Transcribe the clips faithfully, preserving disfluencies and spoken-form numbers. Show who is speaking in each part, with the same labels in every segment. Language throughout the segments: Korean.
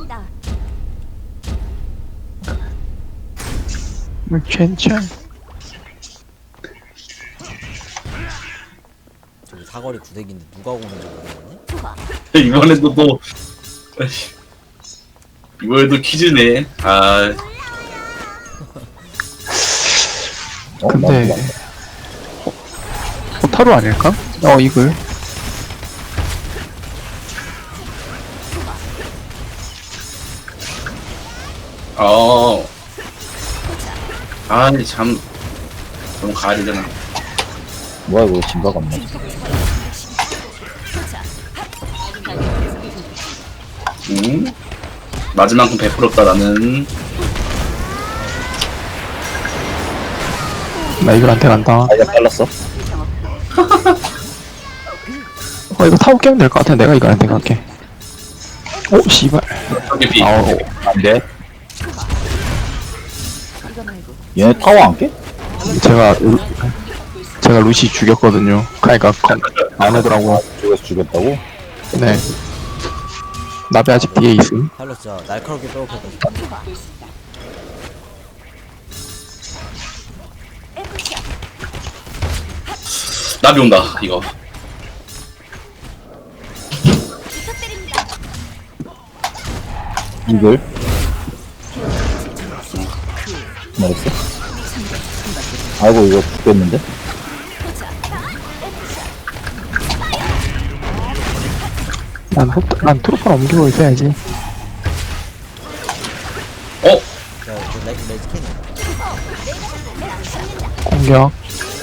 Speaker 1: 부탁드립니다.
Speaker 2: 괜찮.
Speaker 3: 저기 사거리 구대기인데 누가 오는지 모르겠네.
Speaker 1: 좋아.
Speaker 4: 이번에도 또 아이씨, 이번에도 퀴즈네. 아
Speaker 5: 어?
Speaker 2: 근데
Speaker 5: 맞다.
Speaker 2: 어, 호타루 아닐까? 어 이글.
Speaker 4: 어. 아니 참 너무 가야 되잖아.
Speaker 5: 뭐야 이거 진가가 없네.
Speaker 4: 응? 마지막은 베풀었다 나는.
Speaker 2: 나 이글한테 간다.
Speaker 5: 아, 야 잘랐어.
Speaker 2: 어 이거 타고 깨면 될 것 같아. 내가 이글한테 갈게. 오 씨발.
Speaker 4: 저기 비.
Speaker 5: 아우 안 돼.
Speaker 1: 이거 말고
Speaker 5: 얘네 타워 안 깨?
Speaker 2: 제가 루, 제가 루시 죽였거든요. 그러니까 건- 안 오더라고.
Speaker 5: 죽여서 죽였다고?
Speaker 2: 네. 나비 아직 뒤에 있음.
Speaker 3: 팔로 진짜 날카롭게 빼고팠다.
Speaker 1: 좋아. 에프샷.
Speaker 4: 나비 온다 이거.
Speaker 1: 부탁드립니다.
Speaker 5: 이글. 나이스. 아이고 이거 죽겠는데?
Speaker 2: 난 호, 난 트로퍼를 옮기고 있어야지.
Speaker 4: 어?
Speaker 3: 자, 그 레, 레지캔이
Speaker 2: 공격.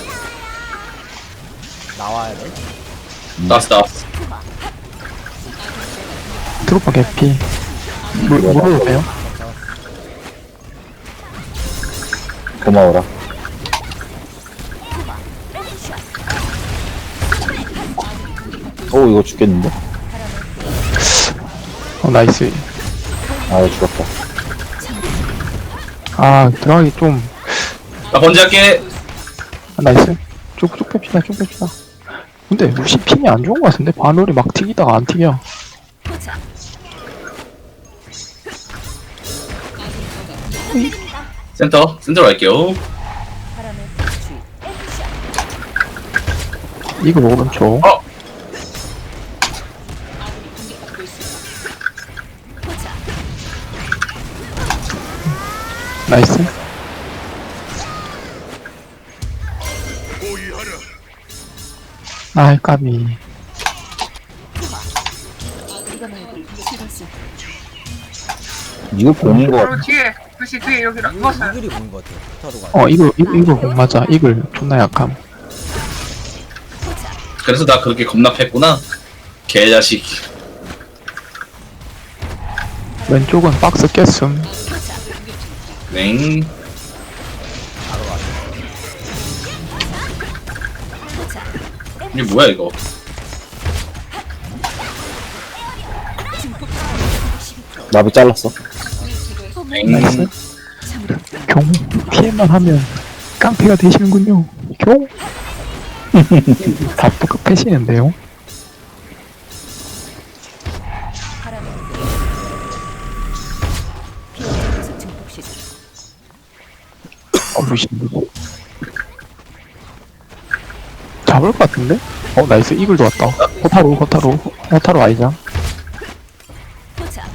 Speaker 3: 나와야 돼.
Speaker 4: 나왔어 나왔어.
Speaker 2: 트로퍼 개피. 물, 물어도 돼요?
Speaker 5: 고마워라. 오 이거 죽겠는데?
Speaker 2: 어, 나이스.
Speaker 5: 아 죽었다.
Speaker 2: 아, 들어가기 좀.
Speaker 4: 나 번지할게.
Speaker 2: 아, 나이스. 쭉, 쭉 뺍시다, 쭉 뺍시다. 근데 루시 핑이 안 좋은 것 같은데? 바늘이 막 튀기다가 안 튀겨.
Speaker 4: 센터 센터로 갈게요.
Speaker 1: 바람의 불취. 에프샷.
Speaker 2: 이거 오른쪽.
Speaker 4: 어?
Speaker 2: 나이스. 아이, 까비.
Speaker 1: 이거 말고 이것은
Speaker 5: 이거 보는 거
Speaker 6: 바로
Speaker 5: 같아.
Speaker 6: 뒤에 글씨 뒤에 여기랑 이것은
Speaker 3: 이글이 보인 것 같아요. 포타루가.
Speaker 2: 어, 이거, 이거, 이거 공 맞아. 이글 존나 약함.
Speaker 4: 그래서 나 그렇게 겁나 팼구나. 개자식.
Speaker 2: 왼쪽은 박스 깼음.
Speaker 4: 냉. 이게 뭐야 이거?
Speaker 5: 나비 잘랐어.
Speaker 4: 냉.
Speaker 2: 나이스. 경, 피해만 하면 깡패가 되시는군요. 경. 다 똑같 패시는데요?
Speaker 1: 바람의 비행에서 증폭 시작.
Speaker 2: 어, 루시. 잡을 것 같은데? 어, 나이스. 이글도 왔다. 호타루, 호타루, 호타루 아이자.
Speaker 1: 포착.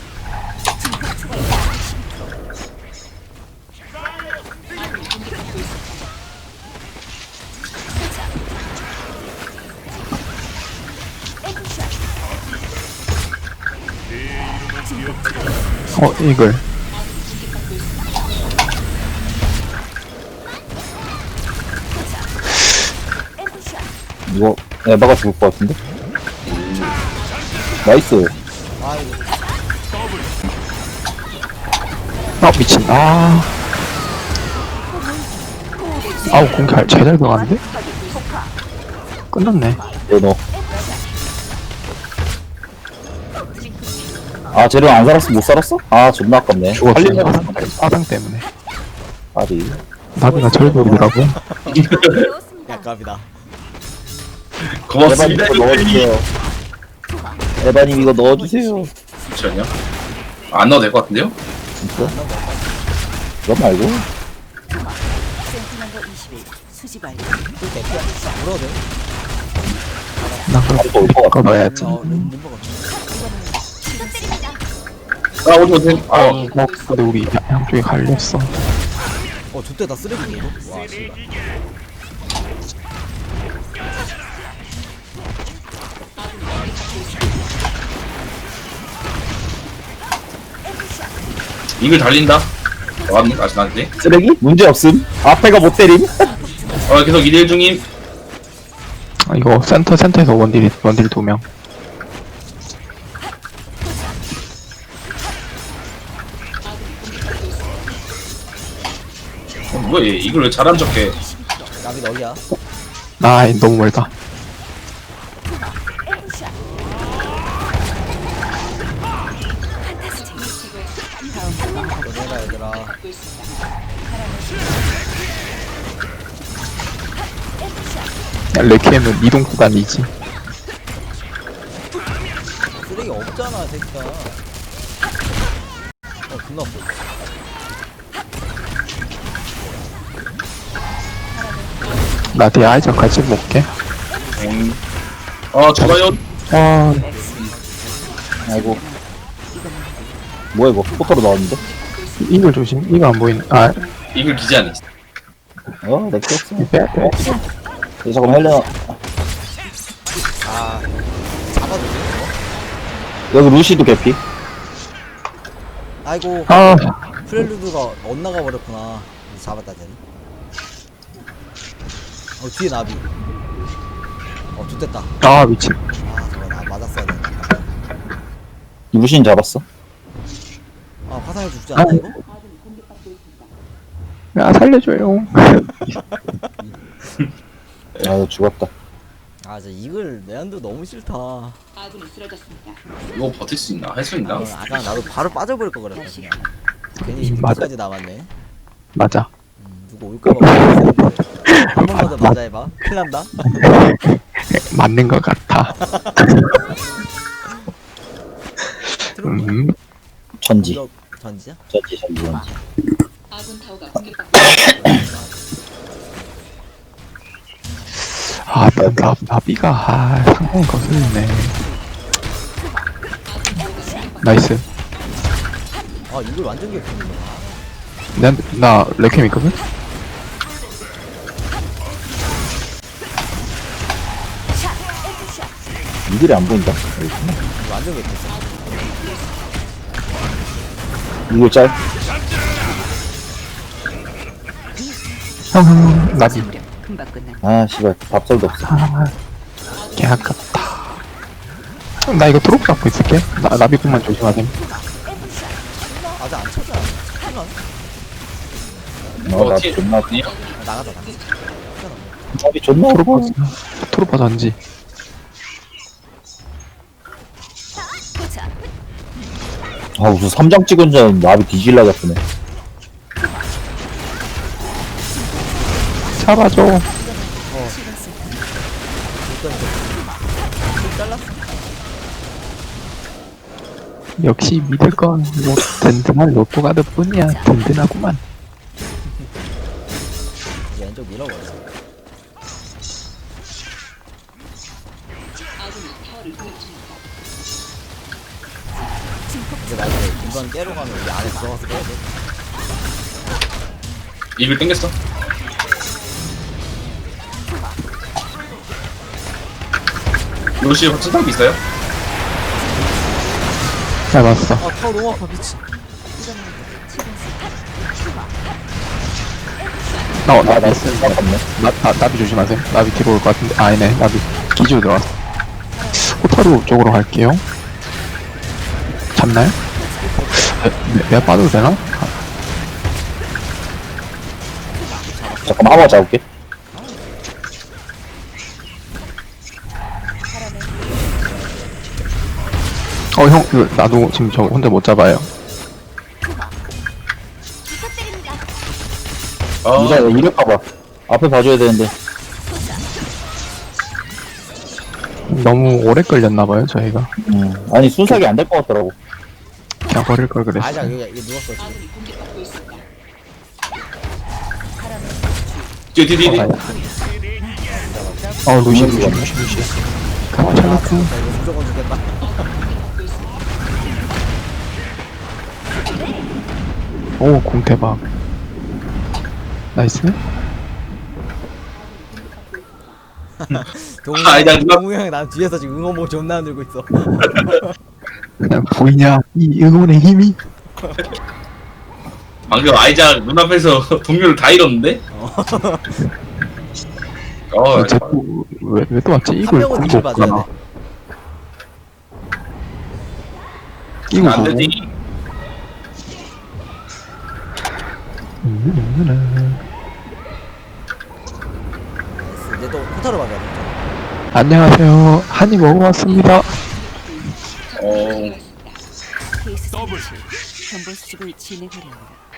Speaker 2: 어, 이글.
Speaker 5: 이거 에바가 죽을 것 같은데? 나이스.
Speaker 3: 아, 이거
Speaker 2: 아, 미친. 아. 아우, 공개 제잘 들어갔는데? 끝났네.
Speaker 5: 너 너. 아 쟤를 안 살았어? 못 살았어? 아 존나 아깝네.
Speaker 2: 죽었어.
Speaker 5: 살리려고
Speaker 2: 화상, 화상 때문에.
Speaker 5: 아리.
Speaker 2: 나비가 절벽이라고?
Speaker 1: 배웠습니다.
Speaker 3: 약갑이다.
Speaker 4: 고맙습니다.
Speaker 5: 에바님 이거 넣어주세요. 에바님 이거 넣어주세요.
Speaker 4: 잠시만요. 안 넣어도 될 것 같은데요?
Speaker 5: 진짜? 그거 말고
Speaker 1: 센티넘버 이십일 수집 완료.
Speaker 3: 그 개피야. 물어도 돼.
Speaker 2: 나 그럼
Speaker 5: 바로 올것 같아.
Speaker 2: 그거 넣어야지.
Speaker 3: 어, 림- 림버가 없네.
Speaker 4: 아 오지 못해. 어.
Speaker 2: 어, 근데 우리 양- 양쪽에 갈렸어.
Speaker 3: 어, 저때 다 쓰레기네 이거. 와, 씨발.
Speaker 4: 이글 달린다. 왔니? 아직 안 돼?
Speaker 5: 쓰레기? 문제 없음. 앞에가 못 때림.
Speaker 4: 어 계속 일 일 중임.
Speaker 2: 아, 이거 센터 센터에서 원딜 원딜 두 명.
Speaker 4: 어, 뭐야 얘 이걸 왜 잘한 척해?
Speaker 3: 나비 너희야.
Speaker 2: 아 너무 멀다.
Speaker 3: 너네가 얘들아.
Speaker 2: 레퀴엠은 이동 구간이지.
Speaker 3: 쓰레기 없잖아, 새끼야. 어, 존나 없어.
Speaker 2: 나 뒤에 아이작 같이 볼게.
Speaker 4: 엥. 어 좋아요.
Speaker 2: 아
Speaker 5: 아이고. 뭐야 이거? 포터로 나왔는데?
Speaker 2: 이걸 조심. 이거 안 보이네. 아
Speaker 4: 이글 기지 않았어.
Speaker 5: 어, 내 꼈어.
Speaker 2: 빼 빼.
Speaker 5: 예, 잠깐만 헬레나.
Speaker 3: 아, 잡아도 돼,
Speaker 5: 여기 루시도 개피.
Speaker 3: 이거? 아이고,
Speaker 2: 아
Speaker 3: 프렐루드가 엇나가 버렸구나. 이제 잡았다, 쟤는. 어, 뒤에 나비. 어, 좋됐다.
Speaker 2: 아 미친.
Speaker 3: 아, 저거 나 맞았어야 되는데.
Speaker 5: 루시는 잡았어.
Speaker 3: 아, 화상에 죽지 않나, 이거?
Speaker 2: 야 살려줘요.
Speaker 5: 아, 너 죽었다.
Speaker 3: 아, 저 이글 내한도 너무 싫다. 어,
Speaker 4: 이거 버틸 수 있나? 할 수 있나?
Speaker 3: 아까 나도 바로 빠져버릴 거 그랬다, 그냥. 괜히
Speaker 2: 음, 맞아.
Speaker 3: 이까지 남았네.
Speaker 2: 맞아.
Speaker 3: 음, 누구 올까봐 모르겠는데. 한 번만 더 맞아 해봐. 큰일 난다.
Speaker 2: 맞는 것 같아. 음.
Speaker 5: 전지.
Speaker 3: 공격 전지야?
Speaker 5: 전지, 전지, 전지.
Speaker 2: 아, 나, 나, 나비가, 아, 상당히 거슬리네. 나이스.
Speaker 3: 아, 이걸 완전 개판이네.
Speaker 2: 난, 나, 레캠 있거든?
Speaker 5: 이들이 안 보인다.
Speaker 3: 이거 완전 개판이야.
Speaker 5: 이거 짤.
Speaker 2: 형, 형, 나비.
Speaker 1: 금방 끝난.
Speaker 5: 아, 씨발. 밥살도 없어.
Speaker 2: 아, 개 아깝다. 나 이거 트로프 잡고 있을게. 나, 나비꾼만 조심하셈.
Speaker 3: 아직 안 찾아. 찾나?
Speaker 5: 어, 나
Speaker 4: 티-
Speaker 5: 존나,
Speaker 4: 아니야?
Speaker 3: 아, 나가자, 나가자.
Speaker 5: 밥이 존나
Speaker 2: 트로퍼,
Speaker 5: 어려워.
Speaker 2: 트로퍼 전지.
Speaker 1: 포차.
Speaker 5: 아, 무슨 삼 장 찍은 줄 알았는데 나비 뒤질라 잡히네.
Speaker 2: 잡아줘.
Speaker 3: 일단 잘랐어.
Speaker 2: 역시 믿을 건 뭐, 든든한 로또가드 뿐이야. 든든하구만.
Speaker 3: 이제 왼쪽 밀어버렸어. 이제 나 이제 이번 깨로 가면 우리 안에 들어가서 깨야 돼.
Speaker 4: 이글 땡겼어. 요시 확실하게 있어요?
Speaker 2: 잘 봤어.
Speaker 3: 아, 타워 너무 아파, 미치.
Speaker 2: 나, 나,
Speaker 5: 아,
Speaker 2: 나,
Speaker 5: 나이스. 아깝네.
Speaker 2: 나, 나, 나비 조심하세요. 나비 뒤로 올 것 같은데. 아, 아니네. 나비 기지로 들어왔어. 호타루 쪽으로 갈게요. 잡나요? 내, 내가 빠져도 되나?
Speaker 5: 잠깐만, 한번 잡을게.
Speaker 2: 어, 형, 그, 나도 지금 저 혼자 못 잡아요.
Speaker 4: 아
Speaker 5: 이자, 이럴 봐봐. 앞에 봐줘야 되는데.
Speaker 2: 너무 오래 걸렸나봐요, 저희가.
Speaker 5: 음, 아니, 순삭이 안 될 것 같더라고.
Speaker 2: 그냥 버릴 걸 그랬어.
Speaker 3: 아자 여기 여기 누웠어 지금.
Speaker 4: 뒤에 뒤에 뒤에.
Speaker 2: 어, 어 루시 루시 루시 루시. 가만
Speaker 3: 아
Speaker 2: 잘랐고.
Speaker 3: 진짜 이거 무조건 죽겠다.
Speaker 2: 오, 공 대박. 나이스.
Speaker 3: 동우
Speaker 4: 아, 나 누가-
Speaker 3: 동우 형이 난 뒤에서 지금 응원봉 존나 흔들고 있어.
Speaker 2: 그냥 보이냐 이 응원의 힘이.
Speaker 4: 방금 아이작 눈앞에서 동료를 다 잃었는데? 어,
Speaker 2: 왜왜 또 왔지?
Speaker 3: 한
Speaker 2: 이걸
Speaker 3: 명은
Speaker 2: 공도
Speaker 3: 이길 봐줘야
Speaker 2: 없구나.
Speaker 3: 돼.
Speaker 2: 이거
Speaker 4: 안
Speaker 2: 보고.
Speaker 4: 되지.
Speaker 2: 음,
Speaker 3: 이제 또 호타로 봐줘야 돼.
Speaker 2: 안녕하세요. 한입 먹어봤습니다.
Speaker 4: 어,
Speaker 1: 케이스 스위치 정보 수집을 진행하려 합니다.